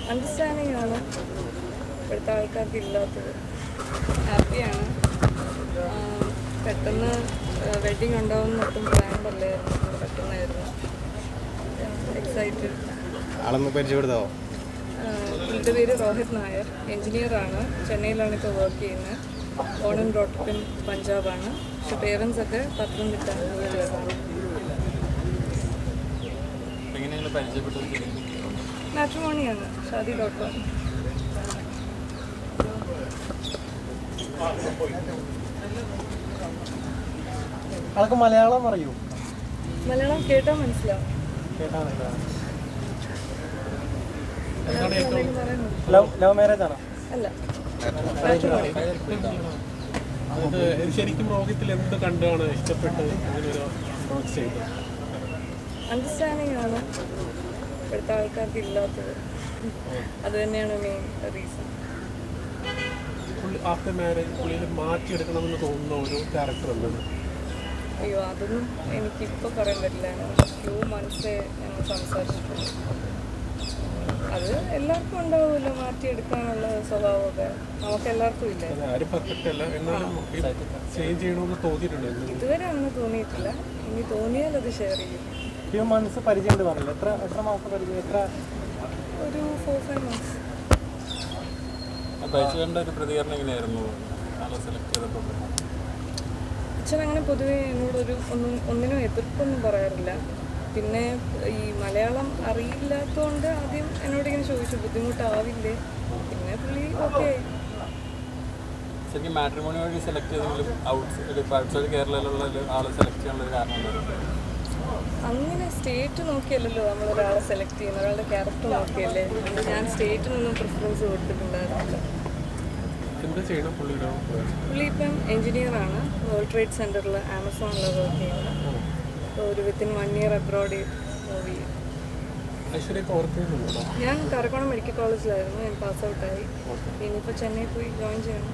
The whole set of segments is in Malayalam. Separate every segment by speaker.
Speaker 1: അണ്ടർസ്റ്റാൻഡിങ് ആണ് ഇപ്പോഴത്തെ ആൾക്കാർക്ക് ഇല്ലാത്തത്. ഹാപ്പിയാണ്. പെട്ടെന്ന് വെഡ്ഡിങ് ഉണ്ടാവുമെന്ന് ഒട്ടും പ്ലാൻ അല്ലായിരുന്നു, പെട്ടെന്നായിരുന്നു. എക്സൈറ്റഡ്.
Speaker 2: ആളൊന്ന് പരിചയപ്പെടുത്താവോ?
Speaker 1: എൻ്റെ പേര് രോഹിത് നായർ, എൻജിനീയറാണ്. ചെന്നൈയിലാണ് ഇപ്പോൾ വർക്ക് ചെയ്യുന്നത്. ബോൺ ആൻഡ് ബ്രോട്ട് ഇൻ പഞ്ചാബാണ്. പക്ഷെ പേരൻസ് ഒക്കെ പത്തനംതിട്ട ആണ്. മാട്രിമോണിയാണ്, ഷാദി.com.
Speaker 2: ആൾക്ക് മലയാളം അറിയൂ?
Speaker 1: മലയാളം കേട്ടാൽ മനസ്സിലാവും.
Speaker 2: ലവ് മാരേജ് ആണോ?
Speaker 1: അല്ല,
Speaker 3: ശരിക്കും രോഗത്തിൽ എന്ത് കണ്ടാണ് ഇഷ്ടപ്പെട്ട് അങ്ങനെയൊരു അപ്രോച്ച് ചെയ്തത്?
Speaker 1: അണ്ടർസ്റ്റാൻഡിങ് ആണ് ഇപ്പോഴത്തെ ആൾക്കാർക്ക് ഇല്ലാത്തത്. അത് തന്നെയാണ് മെയിൻ റീസൺ.
Speaker 3: ആഫ്റ്റർ മാരേജ് പുള്ളിയിൽ മാറ്റിയെടുക്കണമെന്ന് തോന്നുന്ന ഒരു ക്യാരക്ടർ ഉള്ളത്?
Speaker 1: അയ്യോ, അതൊന്നും എനിക്കിപ്പോൾ പറയാൻ പറ്റില്ല. ഫ്യൂ മന്ത്സേ ഞങ്ങൾ സംസാരിച്ചിട്ടുള്ളൂ. അത് എല്ലാവർക്കും ഉണ്ടാവുമല്ലോ, മാറ്റിയെടുക്കാനുള്ള സ്വഭാവമൊക്കെ. നമുക്ക് എല്ലാവർക്കും ഇല്ലേ?
Speaker 3: ആരും പെർഫെക്റ്റ് അല്ല, എന്നാലും ചേഞ്ച് ചെയ്യണമെന്ന് തോന്നിയിട്ടുണ്ട്?
Speaker 1: ഇതുവരെ അങ്ങനെ തോന്നിയിട്ടില്ല. ഇനി തോന്നിയാൽ അത് ഷെയർ ചെയ്യും.
Speaker 2: ഫ്യൂ മന്ത്സ് പരിചയം പറഞ്ഞില്ല. എത്ര മാസം പരിചയം?
Speaker 1: ഒരു 4-5 months.
Speaker 3: ഒരു പ്രതികരണം എങ്ങനെയായിരുന്നു ആളെ സെലക്ട് ചെയ്തപ്പോൾ?
Speaker 1: അച്ഛൻ അങ്ങനെ പൊതുവേ എന്നോടൊരു ഒന്നിനും എതിർപ്പൊന്നും പറയാറില്ല. പിന്നെ ഈ മലയാളം അറിയില്ലാത്തതുകൊണ്ട് ആദ്യം എന്നോടിങ്ങനെ ചോദിച്ചു, ബുദ്ധിമുട്ടാവില്ലേ? പിന്നെ പുള്ളി ഓക്കെ ആയി.
Speaker 3: ശരിക്കും മാട്രിമോണി വഴി സെലക്ട് ചെയ്തെങ്കിലും ഔട്ട്സൈഡ് കേരളയിലുള്ള ആളെ സെലക്ട് ചെയ്യാനുള്ള കാരണം എന്തായിരുന്നു?
Speaker 1: അങ്ങനെ സ്റ്റേറ്റ് നോക്കിയല്ലല്ലോ നമ്മളൊരാളെ സെലക്ട് ചെയ്യുന്നത്, ഒരാളുടെ ക്യാരക്ടർ നോക്കിയല്ലേ. അതുകൊണ്ട് ഞാൻ സ്റ്റേറ്റിനൊന്നും പ്രിഫറൻസ് കൊടുത്തിട്ടുണ്ടായിരുന്നില്ല. പുള്ളി ഇപ്പം എൻജിനീയറാണ്. വേൾഡ് ട്രേഡ് സെൻറ്ററിൽ ആമസോണിൽ വർക്ക് ചെയ്യുന്നത്. അപ്പോൾ ഒരു വിത്തിൻ 1 year അബ്രോഡ് മൂവ് ചെയ്യും. ഞാൻ കറക്കോണം മെഡിക്കൽ കോളേജിലായിരുന്നു. ഞാൻ പാസ് ഔട്ടായി. ഇനിയിപ്പോൾ ചെന്നൈ പോയി ജോയിൻ ചെയ്യണം.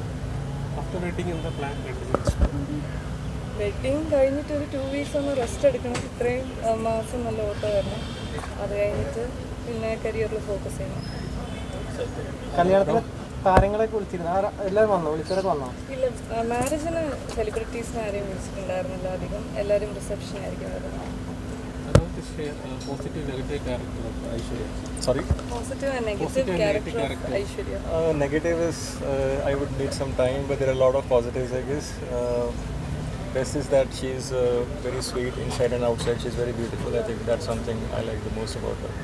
Speaker 1: വെഡ്ഡിങ് കഴിഞ്ഞിട്ട് ഒരു 2 weeks ഒന്ന് റെസ്റ്റ് എടുക്കണം. ഇത്രയും മാസം നല്ല ഓട്ടോ വരണം. അത് കഴിഞ്ഞിട്ട് പിന്നെ കരിയറിൽ ഫോക്കസ് ചെയ്യണം.
Speaker 2: കല്യാണത്തിന് താരങ്ങളൊക്കെ വിളിച്ചിരുന്നു? എല്ലാവരും വന്നോ? വിളിച്ചവരൊക്കെ വന്നോ?
Speaker 1: ഇല്ല, മാരേജിന് സെലിബ്രിറ്റീസിനെ ആരെയും വിളിച്ചിട്ടുണ്ടായിരുന്നില്ല. അധികം എല്ലാവരും റിസപ്ഷൻ ആയിരിക്കും വരുന്നത്.
Speaker 3: Positive negative character Aishwarya?
Speaker 2: Sorry?
Speaker 1: Positive and negative character of Aishwarya.
Speaker 4: Negative is I would need some time, but there are a lot of positives, I guess. Best is that she's very sweet inside and outside. She's very beautiful. I think that's something I like the most about her.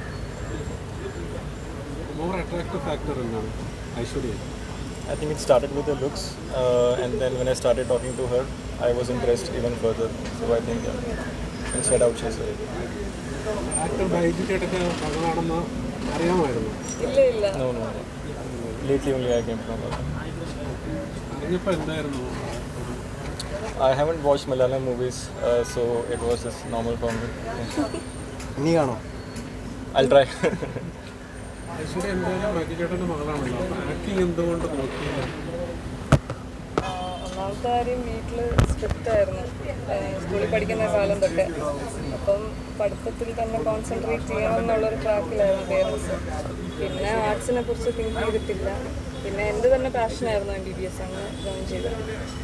Speaker 3: More attractive factor ennaanu Aishwarya?
Speaker 4: I think it started with the looks, and then when I started talking to her, I was impressed even further. So I think inside out she's very good.
Speaker 3: Actor Baiju ചേട്ടൻ്റെ മകളാണെന്ന് അറിയാമായിരുന്നു?
Speaker 1: ഇല്ല.
Speaker 4: No. Lately only I came from her.
Speaker 3: അറിഞ്ഞപ്പോൾ എന്തായിരുന്നു?
Speaker 4: I haven't watched Malayalam movies, so it was just normal for me.
Speaker 2: നീ കാണോ?
Speaker 4: I'll try.
Speaker 3: ഐശ്വര്യ എന്തായാലും ബൈജു ചേട്ടൻ്റെ മകളാണല്ലോ, ആക്ടിങ് എന്തുകൊണ്ട് നോക്കിയില്ല?
Speaker 1: ഒന്നാമത്തെ കാര്യം, വീട്ടിൽ സ്ട്രിക്റ്റ് ആയിരുന്നു സ്കൂളിൽ പഠിക്കുന്ന കാലം തൊട്ട്. അപ്പം പഠിത്തത്തിൽ തന്നെ കോൺസെൻട്രേറ്റ് ചെയ്യണം എന്നുള്ളൊരു ട്രാക്കിലായിരുന്നു പേരൻസ്. പിന്നെ ആർട്സിനെ കുറിച്ച് തിങ്ക് ചെയ്തിട്ടില്ല. പിന്നെ എൻ്റെ തന്നെ പാഷനായിരുന്നു MBBS. അങ്ങനെ ജോയിൻ ചെയ്തത്.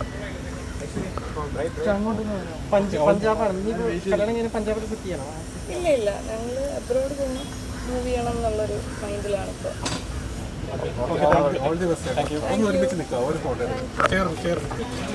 Speaker 2: പഞ്ചാബാണ്. നീ കല്യാണം കഴിഞ്ഞ് പഞ്ചാബിൽ ഫിറ്റ് ചെയ്യണോ?
Speaker 1: ഇല്ല, ഞങ്ങൾ അബ്രോഡ് പോയി മൂവ് ചെയ്യണം എന്നുള്ളൊരു മൈൻഡിലാണ് ഇപ്പോൾ.
Speaker 3: All the best. ഒന്ന് ഒരുമിച്ച് നിൽക്കാം, ഒരു ഫോട്ടോ ചേർന്ന്